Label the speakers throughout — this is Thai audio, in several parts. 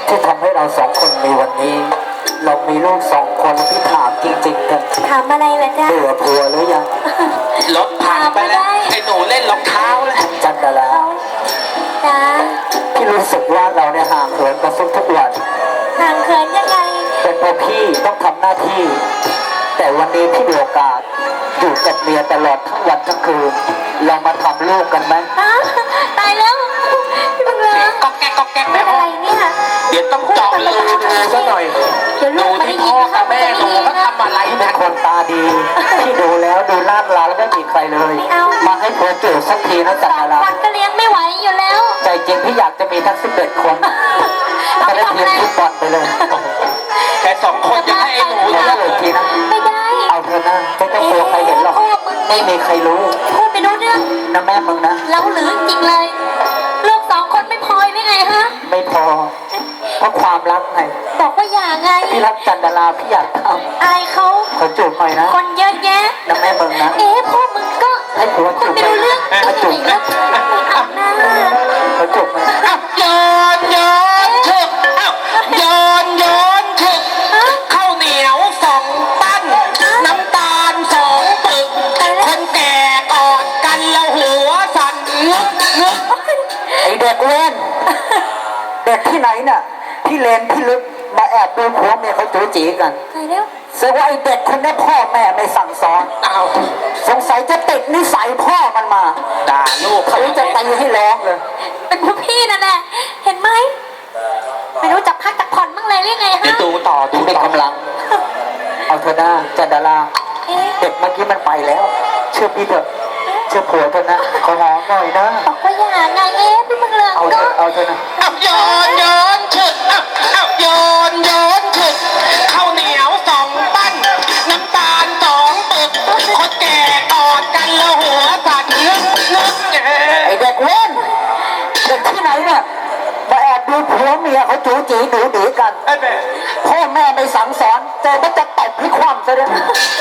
Speaker 1: ที่ทำให้เราสองคนมีวันนี้ เรามีลูกสองคนที่ถามจริงๆกัน
Speaker 2: ถามอะไรล่ะจ๊ะ
Speaker 1: เบื่อผัวหรือยัง
Speaker 3: รถพังไปแล้วไอ้หนูเล่นรองเท้าแล้ว
Speaker 1: จันดารา
Speaker 2: จ้า
Speaker 1: พี่รู้สึกว่าเราเนี่ยห่างเหินกันทุกวัน
Speaker 2: ห่างเขินยังไง
Speaker 1: เป็นเพราะพี่ต้องทำหน้าที่ แต่วันนี้พี่มีโอกาสอยู่กับเมียตลอดทั้งวันทั้งคืนเรามาทำลูกกันไหม
Speaker 2: ตายแล้วพี่บังเอิญ
Speaker 3: ก็แก๊กก็แก๊ก
Speaker 2: เป็นอะไรเนี่ย
Speaker 3: เดี๋ยวต้องเจาะรูดูซะหน่อยดูที่พ่อกับแม่หนูเขาทำอะไร
Speaker 1: เป็นคนตาดีที่ดูแล้วดูลาดลาแล้วไม่มีใครเลยมาให้ผัวเจอสักทีนะจันดารา
Speaker 2: คนก็เลี้ยงไม่ไหวอยู่แล้ว
Speaker 1: ใจจริงพี่อยากจะมีทั้ง11 คนแต่ได้ทีมฟุตบอลไปเลย
Speaker 3: แต่2 คนจะให้ไอ้หนู
Speaker 1: เอาเลยทีนะ
Speaker 2: ไม่ได้
Speaker 1: เอาเธอนะไม่ต้องกลัวใครเห็นหรอกไม่มีใครรู้
Speaker 2: พูดไปรู้เรื่อง
Speaker 1: นะแม่มึงนะ
Speaker 2: เราหรือจริงเลยลูก2 คนไม่พอได้ไงฮะ
Speaker 1: ไม่พอเพราะความรักไง
Speaker 2: บอกว่าอย่าไง
Speaker 1: พี่รักจันดาราพี่อยากทำ
Speaker 2: อายเขา
Speaker 1: ขอจูบหน่อยนะ
Speaker 2: คนเยอะแยะ
Speaker 1: นะแม่มึงนะ
Speaker 2: พ่อมึงก็
Speaker 1: ให้ผัวจูบ
Speaker 2: ไม่รู้เรื่อง
Speaker 1: ขอจูบนะขอจูบหน่อย
Speaker 3: ย้อนถึกย้อนถึกข้าวเหนียว2 ปั้นน้ำตาล2 ปึกคนแก่กอดกันแล้วหัวสั่นงึก
Speaker 1: ไอเด็กเล่นเด็กที่ไหนน่ะพี่เลนพี่ลึกมาแอบดูผัวเมียเขาจู๋จีกัน
Speaker 2: ตายแล้ว
Speaker 1: แสดงว่าไอเด็กคนนี้พ่อแม่ไม่สั่งสอนสงสัยจะติดนิสัยพ่อมันมา
Speaker 3: ด่าลูก
Speaker 1: เขาจะตีให้ร้องเลย
Speaker 2: เป็นพวกพี่นั่นแหละเห็นไหมไม่รู้จักพักจักผ่อนบ้างเลยหรือไงฮะ
Speaker 3: ดูต่อ
Speaker 1: เป็นกำลังเอาเธอหน้าจันดาราเด็กเมื่อกี้มันไปแล้วเชื่อพี่เถอะเชื่อผัวเถอะนะขอหอมหน่อยนะ
Speaker 2: บอกว่าอย่าไงพี่มึงเลย
Speaker 1: เอาเธอนะ
Speaker 3: ย้อนถึกย้อนถึกข้าวเหนียว2 ปั้นน้ำตาล2 ปึกคนแก่กอดกันแล้วหัวสั่นงึก
Speaker 1: ไอเด็กเล่นเด็กที่ไหนเนี่ยมาแอบดูผัวเมียเขาจู๋จีดูดีกันพ่อแม่ไม่สั่งสอนเจอมันจะตบให้คว่ำซะด้วย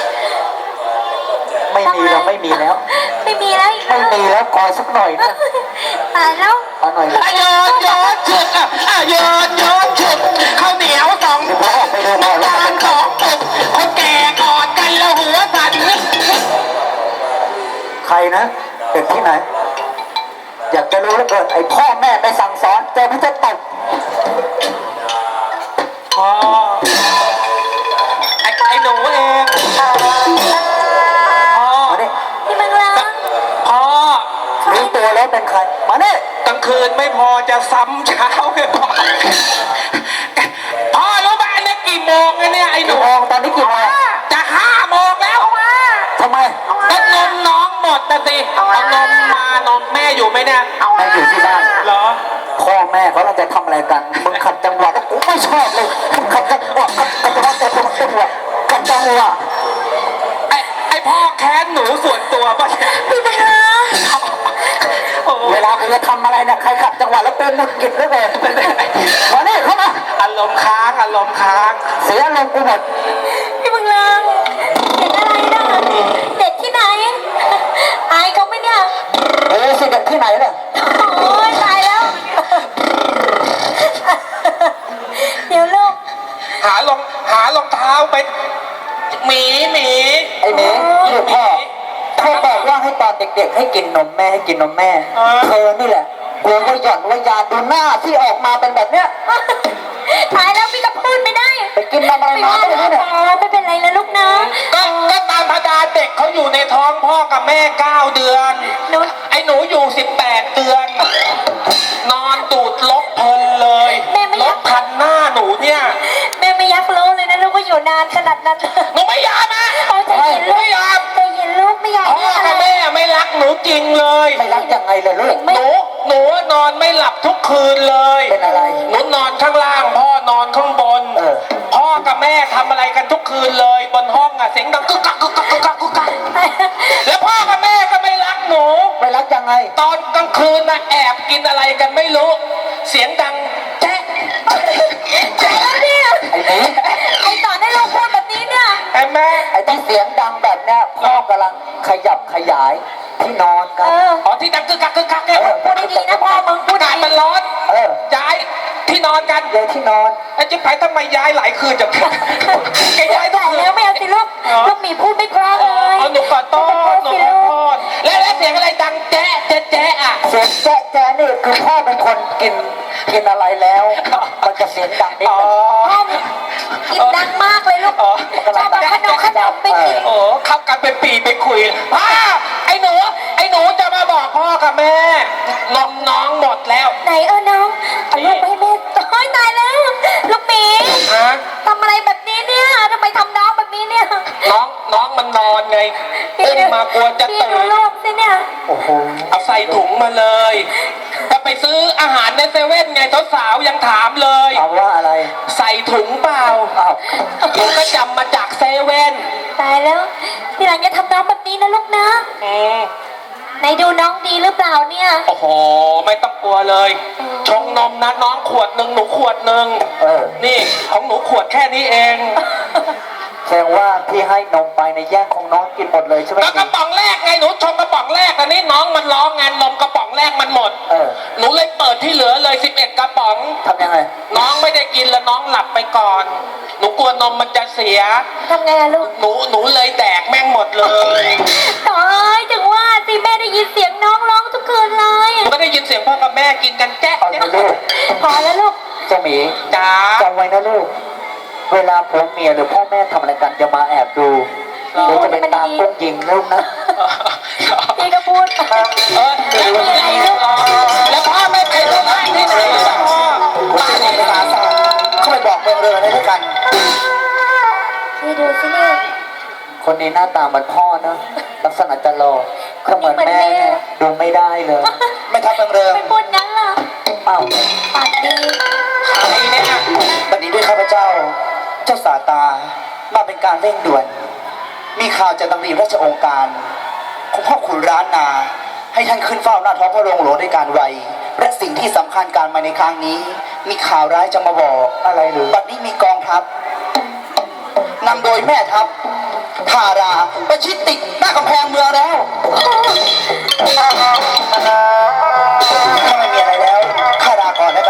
Speaker 1: ไม่มีแล้วไม่มีแล้วขอสักหน่อยนะ
Speaker 2: ตายแล้ว
Speaker 1: เอาหน่อยนะ
Speaker 3: ย้อนถึกย้อนถึกข้าวเหนียว2 ปั้นน้ำตาล2 ปึกคนแก่กอดกันแล้วหัวสั่น
Speaker 1: ใครนะเด็กที่ไหนอยากจะรู้เหลือเกินไอพ่อแม่ไม่สั่งสอนเจอมันจะตบ
Speaker 3: ไอ้หนูเอง
Speaker 2: พี่มังลา
Speaker 3: พ่อ
Speaker 1: รู้ตัวแล้วเป็นใครมาเนี่ย
Speaker 3: กลางคืนไม่พอจะซ้ำเช้าเลยพ่อรู้ป่ะอันนี้กี่โมงเนี่ยไอ้หนู
Speaker 1: ตอนนี้กี่โมง
Speaker 3: จะ5 โมงแล้ว
Speaker 1: ทำไม
Speaker 3: ก็นมน้องหมดแต่สิเอานมมานมแม่อยู่ไหมเนี่ย
Speaker 1: แม่อยู่ที่บ้าน
Speaker 3: เหรอ
Speaker 1: พ่อแม่เขาจะทำอะไรกันมึงขัดจังหวะกูไม่ชอบเลยมึงขัดจังหวะขัดจังหวะ
Speaker 3: ไอพ่อแค้นหนูส่วนตัวป่ะ
Speaker 2: พี่บังเอิญ
Speaker 1: เวลาคุณจะทำอะไรเนี่ยใครขัดจังหวะแล้วเป็นมุกกิจด้วยเลยมาเนี่ยเข้ามา
Speaker 3: อารมณ์ค้าง
Speaker 1: เสียอารมณ์กูหมด
Speaker 2: พี่บังเอิญเด็กอะไรนะเด็กที่ไหนอายเขาไหมเนี่ย
Speaker 1: สิเด็กที่ไหนเนี่ย
Speaker 2: โอ้ยตายแล้วเดี๋ยวลูก
Speaker 3: หารองเท้าไปหมี
Speaker 1: ไอ้หมีลูกพ่อบอกว่าให้ตอนเด็กๆให้กินนมแม่เธอนี่แหละกลัวว่าหย่อนว่ายาดูหน้าที่ออกมาเป็นแบบเนี้ย
Speaker 2: ตายแล้วพี่ก็พูดไม่ได้
Speaker 1: ไปกินอะไรมาไม่รู้เนี่ย
Speaker 2: ไม่เป็นไรนะลูกนะ
Speaker 3: ก็ตามธรรมดาเด็กเขาอยู่ในท้องพ่อกับแม่9 เดือนไอ้หนูอยู่18 เดือนนอนตูดล็อกเพลินเลยล็อกพันหน้าหนูเนี่ย
Speaker 2: แม่ไม่ยักรู้เลยนะลูกว่าอยู่นานขนาดนั้น
Speaker 3: หนูไม่ยอมนะ
Speaker 2: ใจเย็นลูกใจเย็นลูกไม่อยาก
Speaker 3: พ่อกับแม่ไม่รักหนูจริงเลย
Speaker 1: ไม่รักยังไงเลยลูก
Speaker 3: หนูนอนไม่หลับทุกคืนเลย
Speaker 1: เป็นอะไร
Speaker 3: หนูนอนข้างล่างพ่อนอนข้างบนพ่อกับแม่ทำอะไรกันทุกคืนเลยบนห้องเสียงดังกึกกักแล้วพ่อกับแม่ก็ไม่รักหนู
Speaker 1: ไม่รักยังไง
Speaker 3: ตอนกลางคืนแอบกินอะไรกันไม่รู้เสียงดังแจ๊ะ
Speaker 2: เนี่ย
Speaker 1: ไอ้นี่
Speaker 2: ไอ้ต่อได้ลูกพูดแบบนี้เนี่ย
Speaker 3: แม่
Speaker 1: ไอ้ที่เสียงดังแบบเนี้ยพ่อกำลังขยับขยายที่นอนกัน
Speaker 3: ที่ดังกึกกักเนี่ย
Speaker 2: พูดดีๆนะพ่อมึง
Speaker 3: พูดดีมันร้อนย้ายที่ที่นอนกัน
Speaker 1: เดี๋ยวที่นอน
Speaker 3: ไอ้จิ๊บไปทำไมย้ายหลายคืนจังแกย้ายทุก
Speaker 2: แต่
Speaker 3: คืน
Speaker 2: แล้วไม่เอาสิลูกลูกหมีพูดไม่เพราะเลย
Speaker 3: เอาหนูขอโทษหนูขอโทษแล้วเสียงอะไรดังแจ๊ะแจ๊ะแจ๊ะอ่ะ
Speaker 1: เสียงแจ๊ะแจ๊ะนี่คือพ่อเป็นคนกินอะไรแล้วมันจะเสียงดังนิด
Speaker 3: อ๋อ
Speaker 1: นึง
Speaker 2: กินดังมากเลยลูกชอบเอาขนมไปกิน
Speaker 3: โอ้เข้ากันเป็นปีไปคุยพ่อไอ้หนูจะมาบอกพ่อกับแม่นมน้องหมดแล้ว
Speaker 2: ไหนน้องเอาลูกไปให้แม่โอ้ยตายแล้ว ลูกหมี
Speaker 3: ฮะ
Speaker 2: ทำอะไรแบบนี้เนี่ยทำไมทำน้องแบบนี้เนี่ย
Speaker 3: น้องมันนอนไงอุ้มมากลัวจะ
Speaker 2: พี่
Speaker 3: ตื่
Speaker 2: ดู
Speaker 3: น
Speaker 2: ลูกสิเนี่ย
Speaker 1: โอ้โห
Speaker 3: เอาใส่ถุงมาเลยจะไปซื้ออาหารในเซเว่นไงสาวๆยังถามเลย
Speaker 1: ถามว่าอะไร
Speaker 3: ใส่ถุงเปล่า
Speaker 1: อ้าว
Speaker 3: เดี๋ยวก็จำมาจากเซเว่น
Speaker 2: ตายแล้วทีหลังอย่าทำน้องแบบนี้นะลูกนะ
Speaker 3: อืม
Speaker 2: ไหนดูน้องดีหรือเปล่าเนี่ย
Speaker 3: โอ้โหไม่ต้องกลัวเลย ชงนมนะน้องขวดหนึ่งหนูขวดหนึ่ง นี่ของหนูขวดแค่นี้เอง
Speaker 1: แสดงว่าพี่ให้นมไปในแย่งของน้องกินหมดเลยใช่ไหม
Speaker 3: ก็กระป๋องแรกไงหนูชงกระป๋องแรกอันนี้น้องมันร้องงานนมกระป๋องแรกมันหมด หนูเลยเปิดที่เหลือเลย11กระป๋อง
Speaker 1: ทำยังไง
Speaker 3: น้องไม่ได้กินแล้วน้องหลับไปก่อน หนูกลัวนมมันจะเสีย
Speaker 2: ทำไงอะลูก
Speaker 3: หนูเลยแดกแม่งหมดเลย
Speaker 2: ตายถึงว่าสิแม่ได้ยินเสียงน้องร้องทุกคืนเลย
Speaker 3: หนูก็ได้ยินเสียงพ่อกับแม่กินกันแจ๊ะ
Speaker 1: เอานะลูก
Speaker 2: พอแล้วลูก
Speaker 1: เจ้าหมี
Speaker 3: จ้า
Speaker 1: จำไว้นะลูก เวลาผัวเมียหรือพ่อแม่ทำอะไรกันอย่ามาแอบดูเดี๋ยวจะเป็นตากุ้งยิงลูกนะ
Speaker 2: พี่ก็พูดไป
Speaker 3: แล้วพ่อไม่ไปโรงพยาบาลที่ไหนล่ะพ่อ
Speaker 1: บ้านในภาษาศาสตร์เขาไปบอกเมืองเรืออะไรด้วยกัน
Speaker 2: พี่ดูสิเนี่ย
Speaker 1: คนนี้หน้าตาเหมือนพ่อนะ ลักษณะจะหล่อก็เหมือนแม่เนี่ยดูไม่ได้เลย ไม่ทับเมืองเรือ
Speaker 2: ไม่พูดงั้นเหรอ
Speaker 1: เอ้า
Speaker 2: ปากดี
Speaker 3: ใครเนี่ย
Speaker 4: บัดนี้ด้วยข้าพเจ้า เจ้าสาตา มาเป็นการเร่งด่วน มีข่าวจากตำรีราชองค์การของพ่อขุนร้านนา ให้ท่านขึ้นเฝ้าหน้าท้องพระโรงหลวงด้วยการไว และสิ่งที่สำคัญการมาในครั้งนี้ มีข่าวร้ายจะมาบอก
Speaker 1: อะไรหรือ
Speaker 4: บัดนี้มีกองทัพนำโดยแม่ทัพทาราประชิดติดหน้ากำแพงเมืองแล้ว ถ้าไม่มีอะไรแล้วข้าลาก่อนแล้วกัน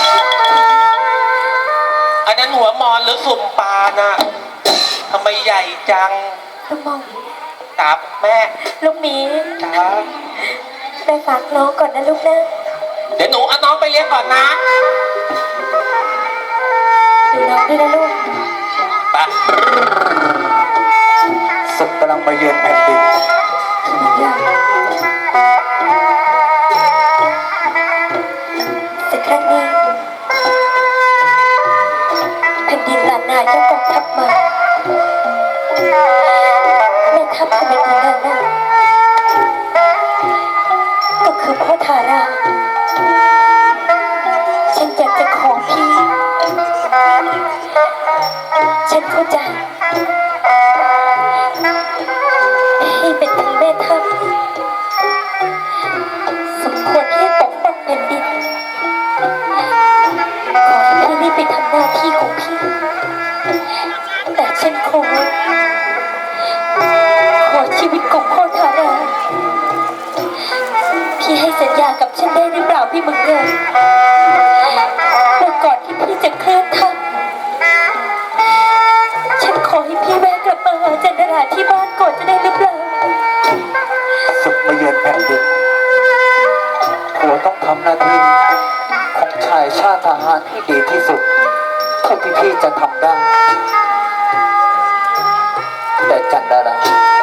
Speaker 3: อันนั้นหัวมอนหรือสุ่มปลาน่ะทำไมใหญ่จัง
Speaker 2: ลูกมอง
Speaker 3: ตับแม่
Speaker 2: ลูกหมี
Speaker 3: จ้า
Speaker 2: ไปฝากน้องก่อนนะลูกนะ
Speaker 3: เดี๋ยวหนูเอาน้องไปเลี้ยงก่อนนะ
Speaker 2: ดูน้องด้วยนะลูก
Speaker 3: ไป
Speaker 1: ศึกกำลังมาเยือนแผ่นดิน
Speaker 2: แต่ครั้งนี้แผ่นดินล้านนายกกองทัพมาแม่ทัพของแผ่นดินล้านนาก็คือพ่อทารา ฉันอยากจะขอพี่ ฉันเข้าใจพี่เป็นถึงแม่ทัพสมควรที่จะปกป้องแผ่นดิน ขอให้พี่รีบไปทำหน้าที่ของพี่ แต่ฉันขอชีวิตของพ่อทารา พี่ให้สัญญากับฉันได้หรือเปล่าพี่มึงเงินว่าก่อนที่พี่จะเคลื่อนทัพฉันขอให้พี่แวะกลับมาหาจันดาราที่บ้านก่อนจะได้หรือเปล่า
Speaker 1: ศึกมาเยือนแผ่นดินผัวต้องทำหน้าที่ของชายชาติทหารที่ดีที่สุดเท่าที่พี่จะทำได้ แต่จันดารา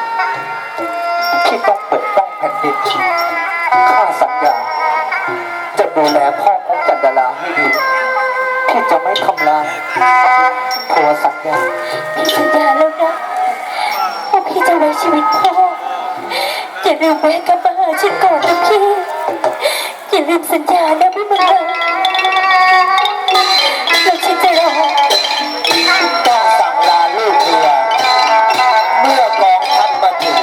Speaker 1: พี่ต้องปกป้องแผ่นดินข้าสัญญาจะดูแลพ่อของจันดาราให้ดีพี่จะไม่ทำลายผัวสัญญา
Speaker 2: พี่สัญญาแล้วนะว่าพี่จะไว้ชีวิตพ่ออย่าลืมแวะกลับมาหาฉันก่อนนะพี่อย่าลืมสัญญานะพี่มึงเลยแล้วฉันจะรอ
Speaker 4: ต้องสั่งลาลูกเรือเมื่อกองทัพมาถึง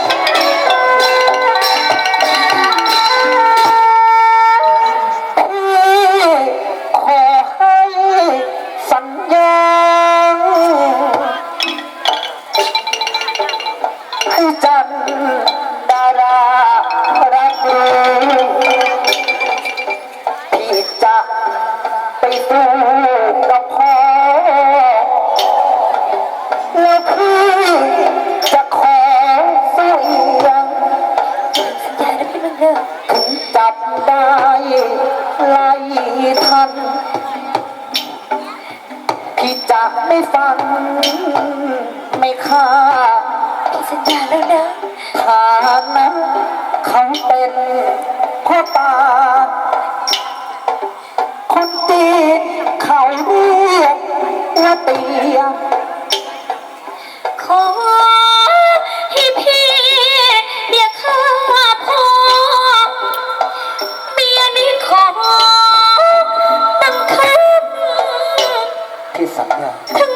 Speaker 1: ขอให้สัญญาให้จันดารารักดีพี่จะไม่ฟังไม่ฆ่า
Speaker 2: พี่สัญญาแล้วนะ
Speaker 1: ฐานะเขาเป็นพ่อตา คนจีนเขาเรียกว่าเตีย
Speaker 2: ขอให้พี่อย่าฆ่าพ่อเมียนี่ขอบังคับ
Speaker 1: ที่สัญญา
Speaker 2: ถึง